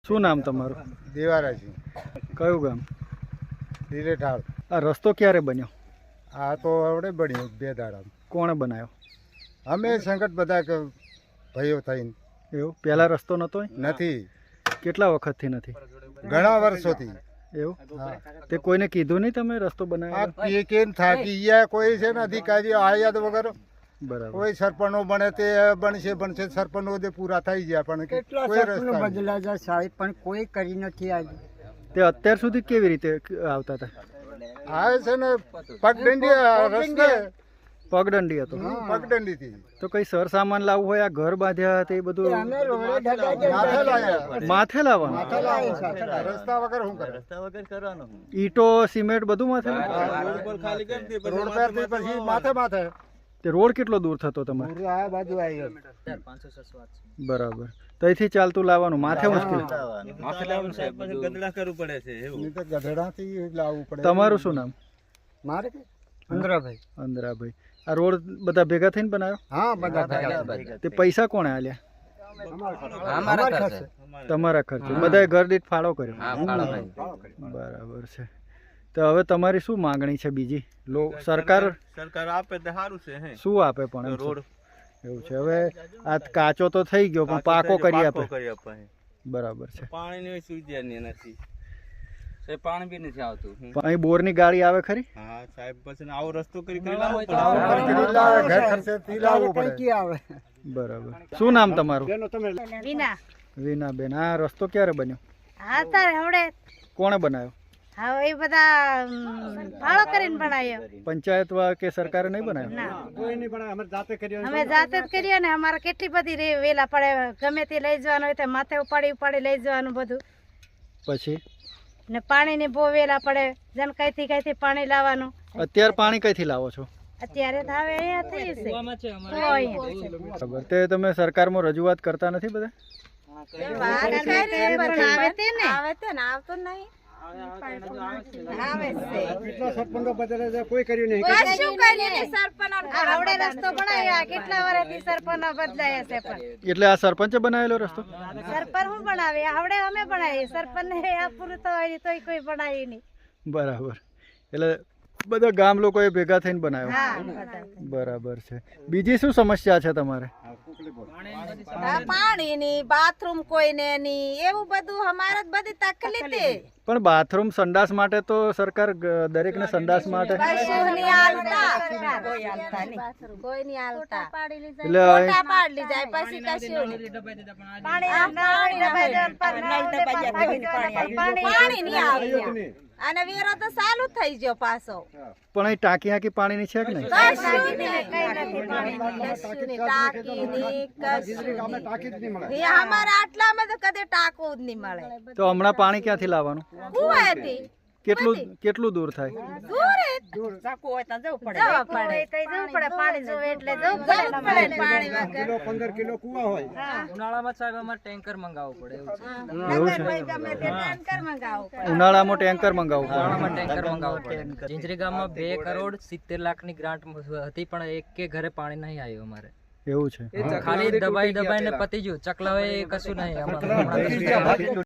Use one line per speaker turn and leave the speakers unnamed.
શું નામ તમારું?
દેવારાજી.
કયું ગામ?
લીલેઠાળ.
આ રસ્તો ક્યારે બન્યો?
આ તો આવડે બન્યું 2 દાડા.
કોણે બનાવ્યો?
અમે સંકટ બધા ભાઈઓ થઈને.
એવું પહેલા રસ્તો નહોતો?
નથી,
કેટલા વખતથી નથી?
ઘણા વર્ષોથી.
એવું?
હા.
તે કોઈને કીધું નહીં તમે રસ્તો
આ
બનાવ્યો?
કેમ થાકી ગયા, કોઈ છે ને અધિકારીઓ આયા તો વગર
બરાબર.
કોઈ સરપંચો બને તે બનશે સરપંચો તે પૂરા થઈ ગયા પણ
કેટલા
કોઈ
સરપંચો
રસ્તા
બદલા જાય સાહેબ, પણ કોઈ કરી નથી આજે.
તે અત્યાર સુધી કેવી રીતે આવતા હતા?
આવે છે ને પગદંડી રસ્તે
પગદંડી હતો.
પગદંડી થી
તો કઈ સરસામાન લાવવું હોય, આ ઘર બાંધ્યા તે બધું
અમે રોડે ઢગાઈ
માથે લાયા.
માથે લાવવાનું?
રસ્તા વગર શું કરે?
ઈટો સિમેન્ટ બધું માથે?
રોડ પર થી પછી માથે
તે રોડ કેટલો દૂર થતો તમારે?
પૂરું આ બાજુ આવી
બરાબર. તો અહીંથી ચાલતું લાવવાનું, માથે મુશ્કેલ.
નહીં તો ગધેડાથી લાવવું પડે.
તમારું શું નામ?
મારે કે અંદ્રાભાઈ.
અંદરાભાઈ. આ રોડ બધા ભેગા થઈને બનાવ્યો?
હા, બધા ભેગા.
તે પૈસા કોણે આલ્યા?
અમારા ખર્ચે.
તમારા ખર્ચે? બધાએ ઘર દીઠ ફાળો કર્યો? બરાબર છે. તો હવે તમારી શું માંગણી છે બીજી? સરકાર
આપે તો સારું છે.
શું આપે પણ? એમ
રોડ
એવું છે. હવે આ કાચો તો થઈ ગયો પણ પાકો કરી આપે? બરાબર છે.
પાણીની સુવિધા નથી, પાણી બી નથી આવતું.
પણ અહીં બોરની ગાડી આવે ખરી?
હા સાહેબ, પછી આવો રસ્તો કરી
ઘર ખર્ચેથી લાવવું પડે.
કઈ આવે.
બરાબર. શું નામ તમારું?
વિના
વિનાબેન. આ રસ્તો ક્યારે બન્યો?
હા તારે હવડે
કોણે બનાવ્યો?
હા એ બધા ફાળો કરીને બનાવ્યો.
પંચાયત કે સરકારે નહીં બનાવ્યો?
ના
અમે જાતે કર્યો.
અમે જાતે જ કર્યો ને. અમારે કેટલી બધી વેલા પડે, ગમે તે લઈ જવાનું હોય તો માથે ઉપાડી લઈ જવાનું બધું.
પછી
ને પાણીની બહુ વેલા પડે, જેમ કઈથી પાણી લાવવાનું.
અત્યારે પાણી કઈથી લાવો છો?
અત્યારે તો હવે અહીંયા થઈ છે.
બરાબર. તે તમે સરકારમાં રજૂઆત કરતા નથી બધા?
આવતો નહીં.
કેટલા સરપંચો બદલે છે, કોઈ કર્યું નહીં.
આવડે રસ્તો બનાવ્યા, કેટલા વર્ષથી સરપંચ બદલાયા છે પણ
એટલે આ સરપંચે બનાવેલો રસ્તો?
સરપંચ હું બનાવે, આવડે અમે બનાવીએ. સરપંચ ને આ પૂરું થવાય તોય કોઈ બનાવી નહીં.
બરાબર. એટલે બધા ગામ લોકોએ ભેગા થઈને બનાવ્યો?
હા બધા.
બરાબર છે. બીજી શું સમસ્યા છે તમારે?
પાણીની, બાથરૂમ કોઈને નહીં, એવું બધું અમારે બધી તકલીફ છે.
પણ બાથરૂમ સંડાસ માટે તો સરકાર દરેકને સંડાસ માટે
કશું નહીં હાલતા, કોઈ નહીં હાલતા.
એટલે
ફોટા પાડી જાય પછી કશું નહીં. પાણી નહીં આવતું અને વેરો તો ચાલુ થઈ ગયો પાછો.
પણ અહીં ટાંકી હાંકી પાણીની છે કે નહીં?
કશું નહીં, કશું નહીં, ટાંકી નહીં, કશું નહીં. એ અમારા આટલામાં તો કਦੇ ટાંકવું જ નહીં મળે.
તો હમણાં પાણી ક્યાંથી લાવવાનું?
કુવાથી
કેટલું દૂર થાય?
દૂર જ
જવું પડે.
જવું પડે.
પાણી જોવે એટલે જવું
જવું પડે ને પાણી વગર.
15 કિલો કુવા હોય.
ઉનાળામાં સાહેબ અમારે ટેન્કર મંગાવવું પડે એવું છે.
નગરભાઈ ગમે તે ટેન્કર મંગાવવું પડે.
ઉનાળામાં ટેન્કર મંગાવવું પડે?
ઉનાળામાં ટેન્કર મંગાવવું પડે. ઝીંઝરી ગામમાં 2 કરોડ 70 લાખની ગ્રાન્ટ હતી પણ એક ઘરે પાણી નહીં આવ્યું અમારે.
એવું છે.
ખાલી દબાઈને પતી ગયું. ચકલાવે કશું નહીં.